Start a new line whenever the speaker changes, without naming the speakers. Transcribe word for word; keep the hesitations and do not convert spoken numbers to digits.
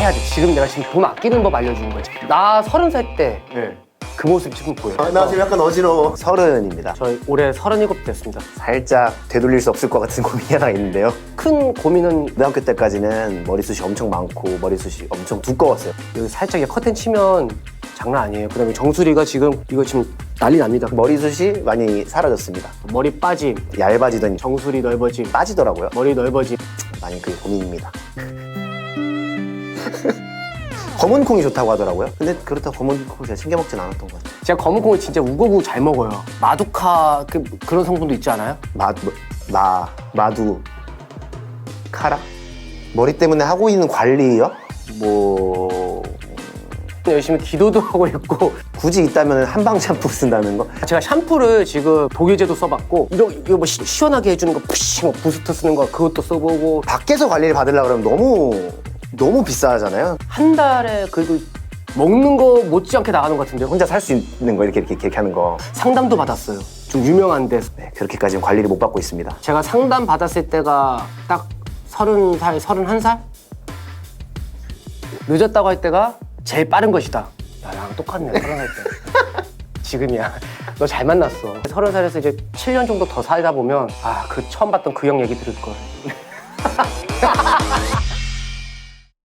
해야 돼. 지금 내가 지금 돈 아끼는 법 알려주는 거지. 나 서른 살 때 그
네.
모습 지금 보여.
아, 나 지금 약간 어지러워. 서른입니다.
저희 올해 서른일곱 됐습니다.
살짝 되돌릴 수 없을 것 같은 고민이 하나 있는데요.
큰 고민은
고등학교 때까지는 머리숱이 엄청 많고 머리숱이 엄청 두꺼웠어요.
여기 살짝 이렇게 커튼 치면 장난 아니에요. 그다음에 정수리가 지금 이거 지금 난리 납니다.
머리숱이 많이 사라졌습니다.
머리 빠짐,
얇아지더니
정수리 넓어짐,
빠지더라고요.
머리 넓어짐.
많이 그게 고민입니다. 검은 콩이 좋다고 하더라고요. 근데 그렇다고 검은 콩을 제가 챙겨 먹진 않았던 것 같아요.
제가 검은 콩을 진짜 우거우거 잘 먹어요. 마두카 그, 그런 성분도 있지 않아요?
마, 마, 마두, 카라? 머리 때문에 하고 있는 관리요? 뭐...
열심히 기도도 하고 있고.
굳이 있다면 한방 샴푸 쓴다는 거?
제가 샴푸를 지금 독일제도 써봤고 이거, 이거 뭐 시, 시원하게 해주는 거 푸시 뭐 부스트 쓰는 거 그것도 써보고.
밖에서 관리를 받으려고 그러면 너무 너무 비싸잖아요.
한 달에 그리고 먹는 거 못지않게 나가는 것 같은데요.
혼자 살 수 있는 거 이렇게 이렇게, 이렇게 하는 거.
상담도 받았어요. 좀 유명한 데서.
네, 그렇게까지는 관리를 못 받고 있습니다.
제가 상담 받았을 때가 딱 서른 살, 서른한 살? 늦었다고 할 때가 제일 빠른 것이다. 야, 나랑 똑같네, 서른 살 때. 지금이야. 너 잘 만났어. 서른 살에서 이제 칠 년 정도 더 살다 보면 아, 그 처음 봤던 그 형 얘기 들을 걸.